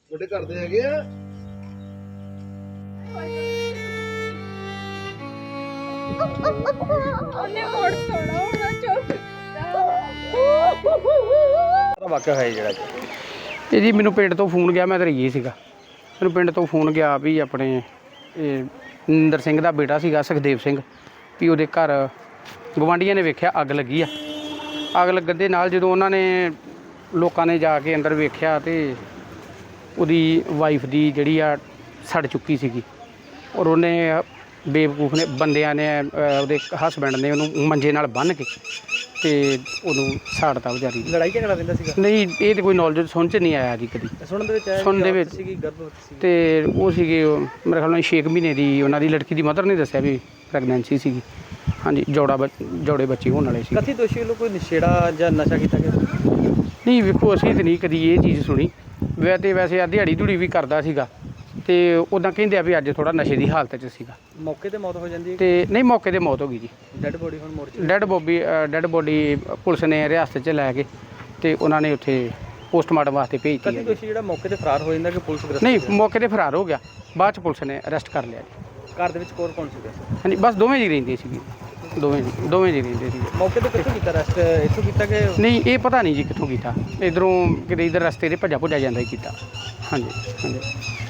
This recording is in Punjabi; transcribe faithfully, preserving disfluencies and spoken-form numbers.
ਤੁਹਾਡੇ ਘਰ ਦੇ ਹੈਗੇ ਆ ਉਹਨੇ ਮੋੜ ਤੋੜਾ ਹੋਣਾ ਚੁੱਪ ਵਾਕਿਆ ਹੋਇਆ ਜਿਹੜਾ ਇਹ ਜੀ ਮੈਨੂੰ ਪਿੰਡ ਤੋਂ ਫੋਨ ਗਿਆ, ਮੈਂ ਤਾਂ ਰਹੀ ਸੀਗਾ। ਮੈਨੂੰ ਪਿੰਡ ਤੋਂ ਫੋਨ ਗਿਆ ਵੀ ਆਪਣੇ ਇਹ ਨਿੰਦਰ ਸਿੰਘ ਦਾ ਬੇਟਾ ਸੀਗਾ ਸੁਖਦੇਵ ਸਿੰਘ, ਵੀ ਉਹਦੇ ਘਰ ਗਵਾਂਢੀਆਂ ਨੇ ਵੇਖਿਆ ਅੱਗ ਲੱਗੀ ਆ। ਅੱਗ ਲੱਗਣ ਦੇ ਨਾਲ ਜਦੋਂ ਉਹਨਾਂ ਨੇ ਲੋਕਾਂ ਨੇ ਜਾ ਕੇ ਅੰਦਰ ਵੇਖਿਆ ਤੇ ਉਹਦੀ ਵਾਈਫ ਦੀ ਜਿਹੜੀ ਆ ਸੜ ਚੁੱਕੀ ਸੀਗੀ, ਔਰ ਉਹਨੇ ਬੇਵਕੂਫ ਨੇ ਬੰਦਿਆਂ ਨੇ ਉਹਦੇ ਹਸਬੈਂਡ ਨੇ ਉਹਨੂੰ ਮੰਜੇ ਨਾਲ ਬੰਨ੍ਹ ਕੇ ਤੇ ਉਹਨੂੰ ਸਾੜਤਾ ਵਿਚਾਰੀ। ਲੜਾਈ ਝਗੜਾ ਰਹਿੰਦਾ ਸੀਗਾ? ਨਹੀਂ, ਇਹ ਤਾਂ ਕੋਈ ਨੌਲੇਜ ਸੁਣ 'ਚ ਨਹੀਂ ਆਇਆ ਜੀ ਕਦੀ। ਸੁਣਨ ਦੇ ਵਿੱਚ ਆਇਆ ਸੁਣਨ ਦੇ ਵਿੱਚ ਸੀਗੀ ਗਰਭਵਤੀ ਸੀ ਤੇ ਉਹ ਸੀਗੇ ਮੇਰੇ ਖਿਆਲ ਨਾਲ ਛੇ ਕੁ ਮਹੀਨੇ ਦੀ ਉਹਨਾਂ ਦੀ ਲੜਕੀ ਦੀ ਮਦਰ ਨੇ ਦੱਸਿਆ ਵੀ ਪ੍ਰੈਗਨੈਂਸੀ ਸੀਗੀ। ਹਾਂਜੀ, ਜੋੜਾ ਜੋੜੇ ਬੱਚੇ ਹੋਣ ਵਾਲੇ ਸੀ। ਕਥਿਤ ਦੋਸ਼ੀ ਵੱਲੋਂ ਕੋਈ ਨਸ਼ੇੜਾ ਜਾਂ ਨਸ਼ਾ ਕੀਤਾ ਗਿਆ? ਨਹੀਂ ਵੇਖੋ, ਅਸੀਂ ਤਾਂ ਨਹੀਂ ਕਦੀ ਇਹ ਚੀਜ਼ ਸੁਣੀ। ਵੈ ਤੇ ਵੈਸੇ ਆ ਦਿਹਾੜੀ ਧੂੜੀ ਵੀ ਕਰਦਾ ਸੀਗਾ ਤੇ ਉੱਦਾਂ ਕਹਿੰਦੇ ਆ ਵੀ ਅੱਜ ਥੋੜਾ ਨਸ਼ੇ ਦੀ ਹਾਲਤ 'ਚ ਸੀਗਾ। ਮੌਕੇ ਤੇ ਮੌਤ ਹੋ ਜਾਂਦੀ ਹੈ ਤੇ ਨਹੀਂ, ਮੌਕੇ ਤੇ ਮੌਤ ਹੋ ਗਈ ਜੀ। ਡੈੱਡ ਬੋਡੀ ਹੁਣ ਮੋਰਚੇ dead body dead body police ਨੇ ਰਿਆਸਤ 'ਚ ਲੈ ਕੇ ਤੇ ਉਹਨਾਂ ਨੇ ਉੱਥੇ ਪੋਸਟਮਾਰਟਮ ਵਾਸਤੇ ਭੇਜਤੀ ਕਥਿਤ ਹੈ। ਦੋਸ਼ੀ ਜਿਹੜਾ ਮੌਕੇ ਤੇ ਫਰਾਰ ਹੋ ਜਾਂਦਾ ਕਿ ਪੁਲਿਸ ਗ੍ਰਿਫਤਾਰ? ਨਹੀਂ, ਮੌਕੇ ਤੇ ਫਰਾਰ ਹੋ ਗਿਆ, ਬਾਅਦ 'ਚ ਪੁਲਿਸ ਨੇ ਅਰੈਸਟ ਕਰ ਲਿਆ ਜੀ। ਘਰ ਦੇ ਵਿੱਚ ਕੌਣ ਕੌਣ ਸੀਗਾ? ਹਾਂਜੀ, ਬਸ ਦੋਵੇਂ ਜੀ ਰਹਿੰਦੇ ਸੀਗੇ, ਦੋਵੇਂ ਜੀ ਦੋਵੇਂ ਜੀ ਰਹਿੰਦੇ ਸੀਗੇ। ਮੌਕੇ ਤੇ ਕਿੱਥੋਂ ਕੀਤਾ ਅਰੈਸਟ? ਇੱਥੋਂ ਕੀਤਾ ਕਿ? ਨਹੀਂ, ਇਹ ਪਤਾ ਨਹੀਂ ਜੀ ਕਿੱਥੋਂ ਕੀਤਾ। ਇੱਧਰੋਂ ਕਿਤੇ ਇੱਧਰ ਰਸਤੇ 'ਤੇ ਭੱਜਾ ਭੁੱਜਾ ਜਾਂਦਾ ਹੀ ਕੀਤਾ। ਹਾਂਜੀ ਹਾਂਜੀ।